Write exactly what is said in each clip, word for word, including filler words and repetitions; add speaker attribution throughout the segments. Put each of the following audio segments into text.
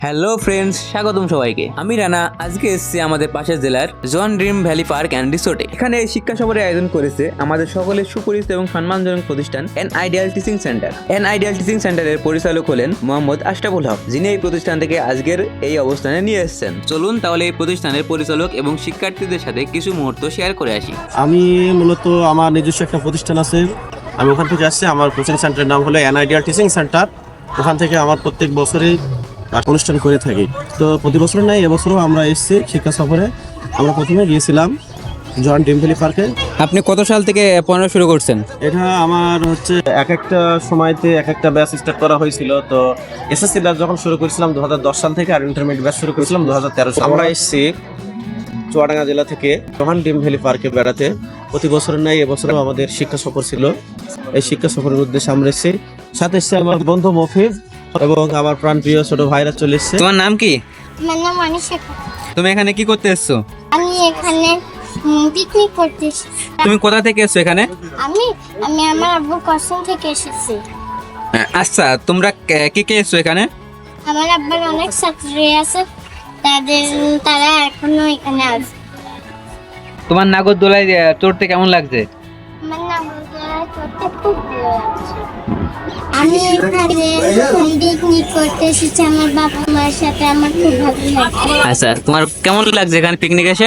Speaker 1: Hello friends, স্বাগতম সবাইকে। আমি রানা। আজকে এসেছি আমাদের পাশের জেলার John dream valley park and রিসোর্টে। এখানে এই শিক্ষা সফরের আয়োজন করেছে আমাদের সকলের সুপরিচিত এবং সম্মানজনক প্রতিষ্ঠান an ideal teaching centre. An ideal teaching সেন্টারের পরিচালক হলেন মোহাম্মদ আশরাফুল হক, যিনি এই প্রতিষ্ঠান থেকে আজকের এই অবস্থানে নিয়ে এসেছেন। চলুন তাহলে এই প্রতিষ্ঠানের পরিচালক এবং শিক্ষার্থীদের সাথে কিছু মুহূর্ত শেয়ার করে আসি।
Speaker 2: আমি মূলত আমার নিজস্ব একটা প্রতিষ্ঠান আছে, আমি ওখান থেকে আসছি। আমার কোচিং সেন্টারের নাম হলো এন আইডিয়াল টিচিং সেন্টার। ওখান থেকে আমার প্রত্যেক বছরই অনুষ্ঠান করে থাকি। তো প্রতি বছর নাই, এবছরও আমরা এসেছি শিক্ষা সফরে। আমরা প্রথমে গিয়েছিলাম জন ড্রিম ভ্যালি পার্কে।
Speaker 1: আপনি কত সাল থেকে পড়ানো শুরু করছেন?
Speaker 2: এটা আমার হচ্ছে এক একটা সময়তে এক একটা ব্যাচ স্টার্ট করা হয়েছিল। তো এসএসসি ব্যাচ যখন শুরু করেছিলাম দু হাজার দশ সাল থেকে, আর ইন্টারমিডিয়েট ব্যাচ শুরু করেছিলাম দু হাজার তেরো সাল। আমরা এসেছি চুয়াডাঙ্গা জেলা থেকে জন ড্রিম ভ্যালি পার্কে বেড়াতে। প্রতি বছরের নাই এবছরও আমাদের শিক্ষা সফর ছিল। এই শিক্ষা সফরের উদ্দেশ্যে আমরা এসেছি, সাথে এসেছে আমার বন্ধু মফিজ এবং আমার প্রাণপ্রিয় ছোট ভাইরা চলে এসেছে।
Speaker 1: তোমার নাম কি?
Speaker 3: আমার নাম অনিশা।
Speaker 1: তুমি এখানে কি করতে এসছো?
Speaker 3: আমি এখানে পিকনিক করতে এসেছি।
Speaker 1: তুমি কোথা থেকে এসছো এখানে?
Speaker 3: আমি আমি আমার আব্বুর কসম থেকে এসেছি।
Speaker 1: আচ্ছা, তোমরা কে- কে কে এসছো এখানে?
Speaker 3: আমার আব্বার অনেক ছাত্রী আছে, তাদের তারা এখনো এখানে আছে।
Speaker 1: তোমার নাগরদোলায় আহ, চড়তে কেমন লাগছে?
Speaker 3: আমার নাম করতে খুব ভালো লাগছে। আমি এখানে পিকনিক করতে এসেছি আমার বাবা মায়ের সাথে, আমার খুব ভালো লাগছে।
Speaker 1: আচ্ছা, তোমার কেমন লাগছে এখানে পিকনিক এসে?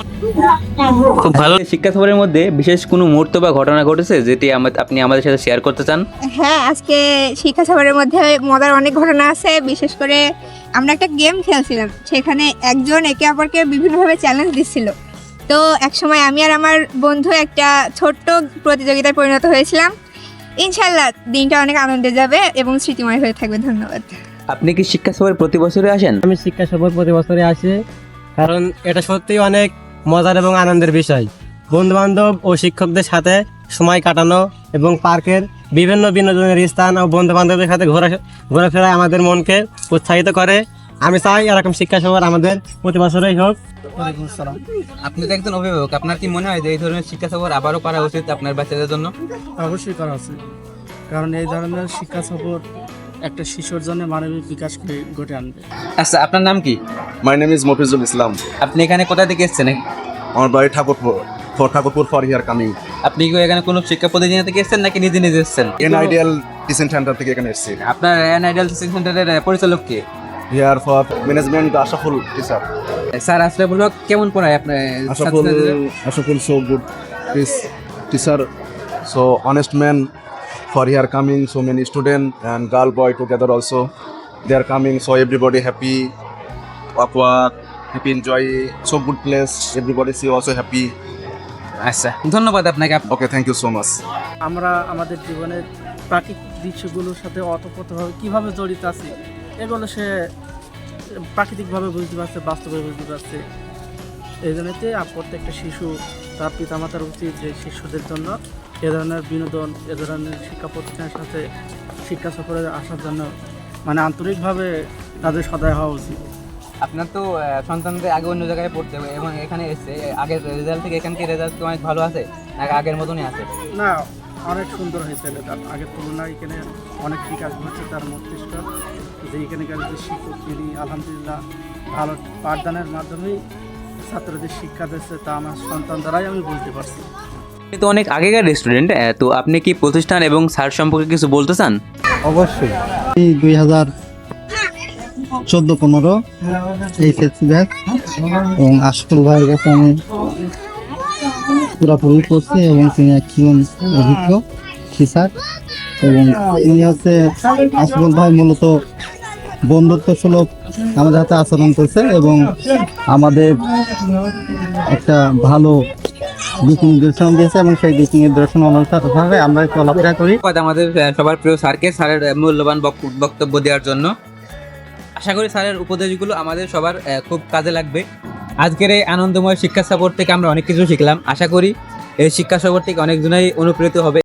Speaker 1: খুব ভালো। শিক্ষা সফরের মধ্যে বিশেষ কোনো মুহূর্ত বা ঘটনা ঘটেছে যেটি আমা- আপনি আমাদের সাথে শেয়ার করতে চান?
Speaker 4: হ্যাঁ, আজকে শিক্ষা সফরের মধ্যে মজার অনেক ঘটনা আছে। বিশেষ করে আমরা একটা গেম খেলছিলাম, সেখানে একজন একে অপরকে বিভিন্নভাবে চ্যালেঞ্জ দিচ্ছিল। তো এক সময় আমি আর আমার বন্ধু একটা ছোট্ট প্রতিযোগিতায় পরিণত হয়েছিলাম। ইনশাল্লাহ দিনটা অনেক আনন্দে যাবে এবং স্মৃতিময় হয়ে থাকবে। ধন্যবাদ।
Speaker 1: আপনি কি শিক্ষা সফরে প্রতি বছরে আসেন?
Speaker 5: আমি শিক্ষা সফর প্রতি বছরে আসি, কারণ এটা সত্যিই অনেক মজার এবং আনন্দের বিষয়। বন্ধু বান্ধব ও শিক্ষকদের সাথে সময় কাটানো এবং পার্কের বিভিন্ন বিনোদনের স্থান ও বন্ধু বান্ধবদের সাথে ঘোরা ঘোরাফেরা আমাদের মনকে উৎসাহিত করে। আমি চাই এরকম শিক্ষা সফর আমাদের প্রতি বছরই হোক।
Speaker 1: আপনি তো একজন অভিভাবক, আপনার কি মনে হয় যে এই ধরনের শিক্ষা সফর আবারও করা উচিত আপনার বাচ্চাদের জন্য?
Speaker 6: অবশ্যই করা উচিত, কারণ এই ধরনের শিক্ষা সফর একটা শিশুর জন্য মানবিক বিকাশকে ঘটে আনবে।
Speaker 1: আচ্ছা, আপনার নাম কি?
Speaker 2: My name is Mofizul Islam.
Speaker 1: আপনি এখানে কোথা থেকে এসেছেন?
Speaker 2: আমার বাড়ি Thakurpur, for Thakurpur for here coming.
Speaker 1: আপনি কি এখানে কোনো শিক্ষা প্রতিষ্ঠান থেকে এসেছেন নাকি নিজে নিজে এসেছেন?
Speaker 2: এন আইডিয়াল টিচিং সেন্টার থেকে এখানে এসেছি।
Speaker 1: আপনার এন আইডিয়াল টিচিং সেন্টারের পরিচালক কে?
Speaker 2: Here for management Ashraful teacher.
Speaker 1: Sir Ashraful Haque কেমন পড়ায় আপনার
Speaker 2: Ashaful,
Speaker 1: ছাত্রছাত্রীদের?
Speaker 2: Ashaful, so good. This teacher, so honest man. For here coming, so many student and girl boy together also. They are coming, so everybody happy, awkward, happy enjoy. So good place. Everybody see also happy.
Speaker 1: আচ্ছা, ধন্যবাদ আপনাকে।
Speaker 2: Okay, thank you so much.
Speaker 6: আমরা আমাদের জীবনের প্রাকৃতিক দৃশ্যগুলোর সাথে অতপ্রতভাবে কীভাবে জড়িত আছি, এগুলো সে প্রাকৃতিকভাবে বুঝতে পারছে, বাস্তবে বুঝতে পারছে। এই জন্যতে প্রত্যেকটা শিশু তার পিতামাতার উচিত যে শিশুদের জন্য এ ধরনের বিনোদন, এ ধরনের শিক্ষা প্রতিষ্ঠানের সাথে শিক্ষা সফরে আসার জন্য মানে আন্তরিকভাবে তাদের সদয় হওয়া উচিত।
Speaker 1: আপনার তো আহ, সন্তানদের আগে অন্য জায়গায় পড়তে হবে এবং এখানে এসে আগের রেজাল্ট থেকে এখানকার রেজাল্ট অনেক ভালো আছে নাকি আগের মতনই আছে?
Speaker 6: না, অনেক সুন্দর হয়েছে তার আগের তুলনায়। এখানে অনেক বিকাশ ঘটছে তার মস্তিষ্ক, যে এখানকার যে শিক্ষক তিনি আলহামদুলিল্লাহ ভালো পাঠদানের মাধ্যমেই ছাত্রদের শিক্ষা দিচ্ছে, তা আমার সন্তান দ্বারাই আমি বুঝতে পারছি।
Speaker 1: আপনি তো অনেক আগেকার রেস্টুরেন্ট, তো আপনি কি প্রতিষ্ঠান এবং স্যার সম্পর্কে কিছু বলতে চান?
Speaker 7: অবশ্যই। এই দুই হাজার চোদ্দ পনেরো এইচএসসি ব্যাচ এবং আশফুল ভাইয়ের কাছে আমি পুরোপুরি করছি এবং তিনি একজন অভিজ্ঞ টিচার এবং তিনি হচ্ছে আশফুল ভাই মূলত বন্ধুত্ব সুলভ আমাদের হাতে আচরণ করছে এবং আমাদের একটা ভালো দিক নির্দেশনা দিয়েছে এবং সেই দিক নির্দেশন অনুসারে আমরা চলাফেরা করি।
Speaker 1: ধন্যবাদ আমাদের আহ, সবার প্রিয় স্যারকে, স্যারের আহ, মূল্যবান বক- বক্তব্য দেওয়ার জন্য। আশা করি স্যারের উপদেশগুলো আমাদের সবার আহ, খুব কাজে লাগবে। আজকের এই আনন্দময় শিক্ষা সফর থেকে আমরা অনেক কিছু শিখলাম। আশা করি এই শিক্ষা সফর থেকে অনেকজনই অনুপ্রেরিত হবে।